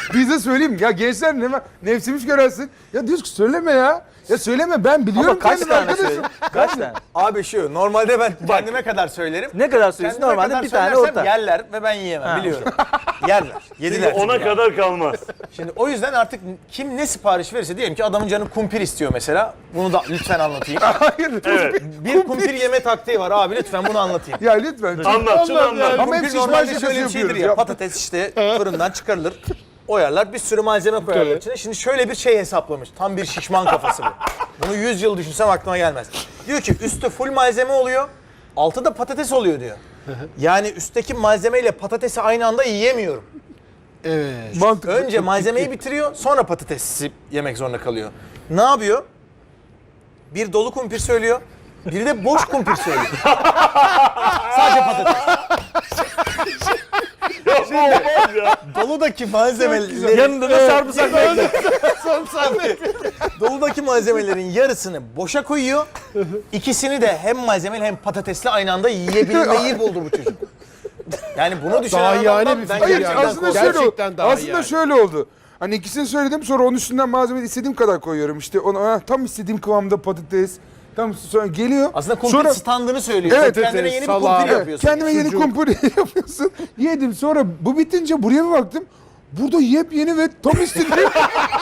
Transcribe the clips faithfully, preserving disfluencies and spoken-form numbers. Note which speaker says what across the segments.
Speaker 1: Bize söyleyeyim ya gençler ne var? Nefsimiz görersin. Ya diyoruz ki söyleme ya. Ya söyleme ben biliyorum.
Speaker 2: Ama kaç
Speaker 1: kendim
Speaker 2: tane
Speaker 1: arkadaşım.
Speaker 2: söyledin? Kaç tane?
Speaker 3: Abi şu normalde ben kendime kadar söylerim.
Speaker 2: Ne kadar söylüyorsun?
Speaker 3: Kendime
Speaker 2: Normalde
Speaker 3: kadar
Speaker 2: bir tane
Speaker 3: söylersem
Speaker 2: orta.
Speaker 3: yerler ve ben yiyemem
Speaker 2: Ha.
Speaker 3: biliyorum. Yerler. Yediler.
Speaker 4: Ona
Speaker 3: çünkü.
Speaker 4: kadar kalmaz.
Speaker 3: Şimdi o yüzden artık kim ne sipariş verirse diyelim ki adamın canı kumpir istiyor mesela. Bunu da lütfen anlatayım.
Speaker 1: Hayır.
Speaker 4: Evet.
Speaker 3: Bir kumpir yeme taktiği var abi lütfen bunu anlatayım.
Speaker 1: Ya lütfen.
Speaker 4: Anlat şunu anlat.
Speaker 1: Ama hep
Speaker 3: Kumpir
Speaker 1: şişman
Speaker 3: normalde
Speaker 1: şakası
Speaker 3: şöyle bir şeydir
Speaker 1: yapıyoruz
Speaker 3: ya.
Speaker 1: ya.
Speaker 3: Patates işte fırından çıkarılır. Oyarlar bir sürü malzeme koyarlar içine. Şimdi şöyle bir şey hesaplamış. Tam bir şişman kafası bu. Bunu yüz yıl düşünsem aklıma gelmez. Diyor ki üstü full malzeme oluyor. Altı da patates oluyor diyor. Yani üstteki malzemeyle patatesi aynı anda yiyemiyorum.
Speaker 5: Evet.
Speaker 1: Mantıklı.
Speaker 3: Önce malzemeyi bitiriyor, sonra patatesi yemek zorunda kalıyor. Ne yapıyor? Bir dolu kumpir söylüyor, bir de boş kumpir söylüyor. Sadece patates.
Speaker 4: Ya bu olmaz ya.
Speaker 3: Doludaki malzemelerin
Speaker 2: Yanında da sarımsak bekle.
Speaker 3: doludaki malzemelerin yarısını boşa koyuyor. İkisini de hem malzemeli hem patatesli aynı anda yiyebilmeyi buldu bu çocuk. Yani bunu düşünen
Speaker 5: Daha yani
Speaker 3: adamdan
Speaker 5: bir
Speaker 3: ben
Speaker 5: fikir
Speaker 1: Hayır
Speaker 3: gerçekten
Speaker 5: yani.
Speaker 1: aslında
Speaker 3: korkuyorum.
Speaker 1: şöyle oldu.
Speaker 5: Gerçekten daha iyi
Speaker 1: Aslında
Speaker 5: yani.
Speaker 1: şöyle oldu. Hani ikisini söyledim sonra onun üstünden malzemeyi istediğim kadar koyuyorum. İşte onu ah, tam istediğim kıvamda patates. Tam sonra geliyor.
Speaker 3: Aslında kumpir
Speaker 1: sonra,
Speaker 3: standını söylüyor.
Speaker 1: Evet,
Speaker 3: Sen kendine
Speaker 5: evet,
Speaker 3: yeni bir
Speaker 5: salağı.
Speaker 3: kumpir
Speaker 5: Evet,
Speaker 3: yapıyorsun.
Speaker 1: kendime yeni kumpir yapıyorsun. Yedim sonra bu bitince buraya bir baktım. Burada yepyeni ve tam istediğim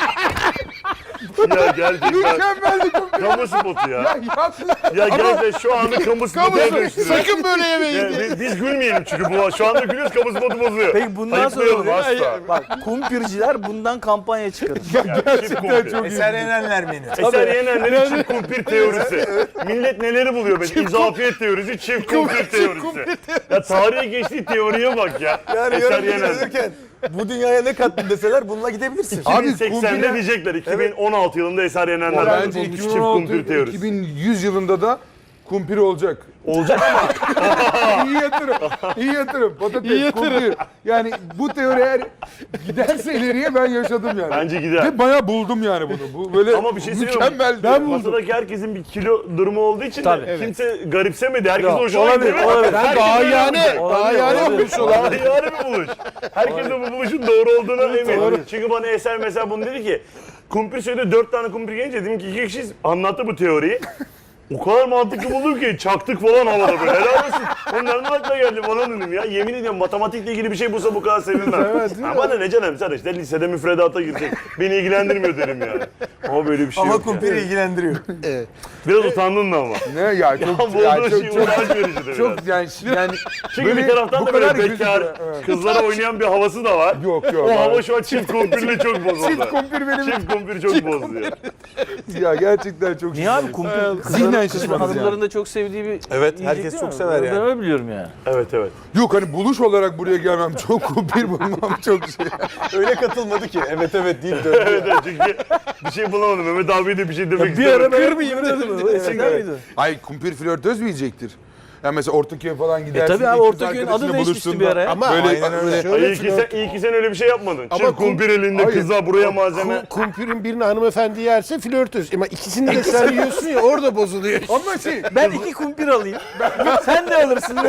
Speaker 4: Ya gerçekten.
Speaker 1: mükemmel bir kumpir.
Speaker 4: Kamu spotu ya.
Speaker 1: Ya, ya,
Speaker 4: Ya gerçekten şu anda kamu spotuna dönüştürüyor.
Speaker 5: Sakın böyle yemeyin.
Speaker 4: Ya biz, biz gülmeyelim çünkü bu şu anda gülüyoruz kamu spotu bozuyor.
Speaker 2: Peki bundan
Speaker 4: Ayıplayalım
Speaker 2: sonra
Speaker 4: asla.
Speaker 2: bak kumpirciler bundan kampanya çıkarır.
Speaker 1: gerçekten çok iyi.
Speaker 3: Eser Yenenler menü.
Speaker 4: Eser Yenenler'in çift kumpir teorisi. Millet neleri buluyor böyle? İzafiyet teorisi, çift kumpir teorisi. Ya tarihe geçtiği teoriye bak ya.
Speaker 3: Yani
Speaker 4: Eser
Speaker 3: yarın
Speaker 4: Yener.
Speaker 3: gelirken bu dünyaya ne kattın deseler bununla gidebilirsin.
Speaker 1: Abi,
Speaker 4: iki bin seksende
Speaker 1: kumpire-
Speaker 4: diyecekler. iki bin on altı yılında Eser Yenenler
Speaker 1: Bence
Speaker 4: bulmuş çift
Speaker 1: iki bin on altı
Speaker 4: kumpir teorisi.
Speaker 1: iki bin yüz yılında da kumpir olacak.
Speaker 4: Olacak ama
Speaker 1: iyi yatırım. İyi yatırım. Patates,
Speaker 5: İyi yatırım.
Speaker 1: kumpir. Yani bu teori eğer giderse ileriye ben yaşadım yani.
Speaker 4: Bence gider.
Speaker 1: Ve bayağı buldum yani bunu. Bu böyle
Speaker 4: Ama bir şey söyleyeyim mi?
Speaker 1: mükemmel.
Speaker 4: Ben masadaki herkesin bir kilo durumu olduğu için
Speaker 2: Tabii.
Speaker 4: de kimse garipsemedi. Herkes
Speaker 2: Yok,
Speaker 4: hoşuna
Speaker 2: olabilir,
Speaker 4: gitti.
Speaker 2: olabilir.
Speaker 5: Ben
Speaker 4: Herkes
Speaker 5: daha
Speaker 4: öyle
Speaker 5: yani,
Speaker 4: yapacak.
Speaker 5: daha yani
Speaker 2: olabilir.
Speaker 5: yapmış olan.
Speaker 4: Daha yani bir buluş. Herkes de bu buluşun doğru olduğuna emin. Çünkü bana Eser mesela bunu dedi ki kumpir söyledi dört tane kumpir gelince dedim ki iki kişiyiz anlattı bu teoriyi. O kadar mantıklı buldum ki çaktık falan havada böyle. Helal olsun. Onların aklına geldi falan dedim ya. Yemin ediyorum matematikle ilgili bir şey bulsa bu kadar sevinmem. Ama da ne canım sen işte lisede müfredata girecek. Beni ilgilendirmiyor derim yani. Ama böyle bir şey
Speaker 3: Ama
Speaker 4: yok
Speaker 3: kumpiri
Speaker 4: yani.
Speaker 3: ilgilendiriyor.
Speaker 4: Biraz utandın da ama.
Speaker 1: Ne ya çok
Speaker 4: Ya
Speaker 1: ya,
Speaker 4: bulduğun
Speaker 1: çok,
Speaker 4: şey
Speaker 1: çok,
Speaker 4: uğraş verici de
Speaker 1: çok
Speaker 4: biraz.
Speaker 1: yani yani
Speaker 4: Çünkü
Speaker 1: böyle
Speaker 4: bir taraftan
Speaker 1: bu
Speaker 4: da böyle
Speaker 1: kadar
Speaker 4: bekar,
Speaker 1: gözüküyor. Evet.
Speaker 4: kızlara oynayan bir havası da var.
Speaker 1: Yok yok.
Speaker 4: O
Speaker 1: abi.
Speaker 4: hava şu an çift kumpirle çok bozuldu.
Speaker 1: Çift kumpir benim.
Speaker 4: Çift kumpir çok bozdu ya.
Speaker 1: Ya gerçekten çok
Speaker 2: Niye abi kumpir
Speaker 1: Zihnen
Speaker 2: kızların,
Speaker 1: şişmanız
Speaker 2: hanımların da çok sevdiği bir
Speaker 3: Evet,
Speaker 2: yiyecek
Speaker 3: herkes
Speaker 2: değil
Speaker 3: çok
Speaker 2: mi?
Speaker 3: sever
Speaker 2: Ben
Speaker 3: yani.
Speaker 2: öyle biliyorum yani.
Speaker 4: Evet evet.
Speaker 1: Yok hani buluş olarak buraya gelmem çok kumpir bulmam çok şey.
Speaker 3: Öyle katılmadı ki. Evet evet deyip döndü.
Speaker 4: Evet evet çünkü bir şey bulamadım. Mehmet abi de bir şey demek
Speaker 2: Bir ara
Speaker 4: istemedim.
Speaker 2: ben kırmayayım dedim. Eskiden miydi?
Speaker 1: Ay kumpir flörtöz mü yiyecektir? Yani mesela Ortaköy'e falan gidersin.
Speaker 2: E tabii abi,
Speaker 1: iki kız
Speaker 2: Ortaköy'ün
Speaker 1: arkadaşınla
Speaker 2: adı değişmişti
Speaker 1: buluştuğunda
Speaker 2: bir ara ya.
Speaker 5: Ama
Speaker 1: Böyle,
Speaker 5: aynen öyle.
Speaker 1: böyle
Speaker 4: Ay, iyi, ki sen, iyi ki sen öyle bir şey yapmadın.
Speaker 5: Ama
Speaker 4: Çift
Speaker 5: kum-
Speaker 4: kumpir elinde
Speaker 1: Hayır.
Speaker 4: kızlar buraya malzeme.
Speaker 5: Ku- Kumpirin birini hanımefendi yerse flörtöz. Ama ikisini de sen yiyorsun ya orada bozuluyor.
Speaker 1: ama şey
Speaker 2: Ben iki kumpir alayım. Sen de alırsın.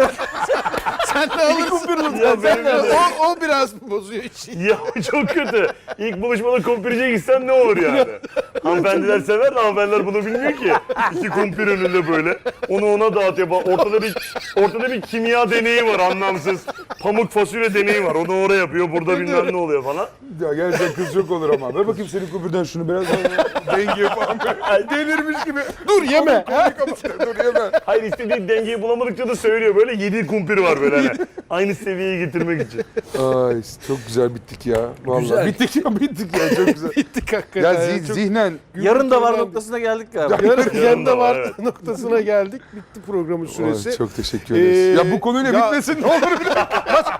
Speaker 5: Sen de alırsın.
Speaker 2: kumpir alırsın.
Speaker 4: Ya
Speaker 2: Sen
Speaker 4: benim
Speaker 2: de
Speaker 4: de-
Speaker 2: alırsın.
Speaker 5: O, o biraz bozuyor işi.
Speaker 4: Ya çok kötü. İlk buluşmada kumpirciye gitsen ne olur yani? Hanımefendiler sever de hanımefendiler bunu bilmiyor ki. İki kumpir önünde böyle. Onu ona dağıtıyor. Bak, Ortada bir ortada bir kimya deneyi var anlamsız. Pamuk fasulye deneyi var. Onu oraya yapıyor. Burada bilmem ne oluyor falan.
Speaker 1: ya gerçekten kız çok olur ama. Ver bakayım senin kumpirden şunu biraz daha dengeye falan böyle. Delirmiş gibi.
Speaker 5: Dur yeme.
Speaker 1: Konuyu kapat. Dur yeme.
Speaker 4: Hayır istediği dengeyi bulamadıkça da söylüyor. Böyle yedi kumpir var böyle hani. Aynı seviyeye getirmek için.
Speaker 1: Ay çok güzel bittik ya. Vallahi
Speaker 5: Güzel.
Speaker 1: bittik ya bittik ya çok güzel.
Speaker 5: Bittik hakikaten.
Speaker 1: ya
Speaker 5: Ya,
Speaker 1: zi-
Speaker 5: çok-
Speaker 1: zihnen
Speaker 2: Yarın da var noktasına geldik galiba.
Speaker 5: Yarın
Speaker 4: Yarın
Speaker 5: yanında
Speaker 4: da var,
Speaker 5: var
Speaker 4: evet.
Speaker 5: noktasına geldik. Bitti programın süresi.
Speaker 1: Ay, çok teşekkür ederiz.
Speaker 5: Ee,
Speaker 1: ya bu konuyla
Speaker 5: ya-
Speaker 1: bitmesin ne olur bir dakika.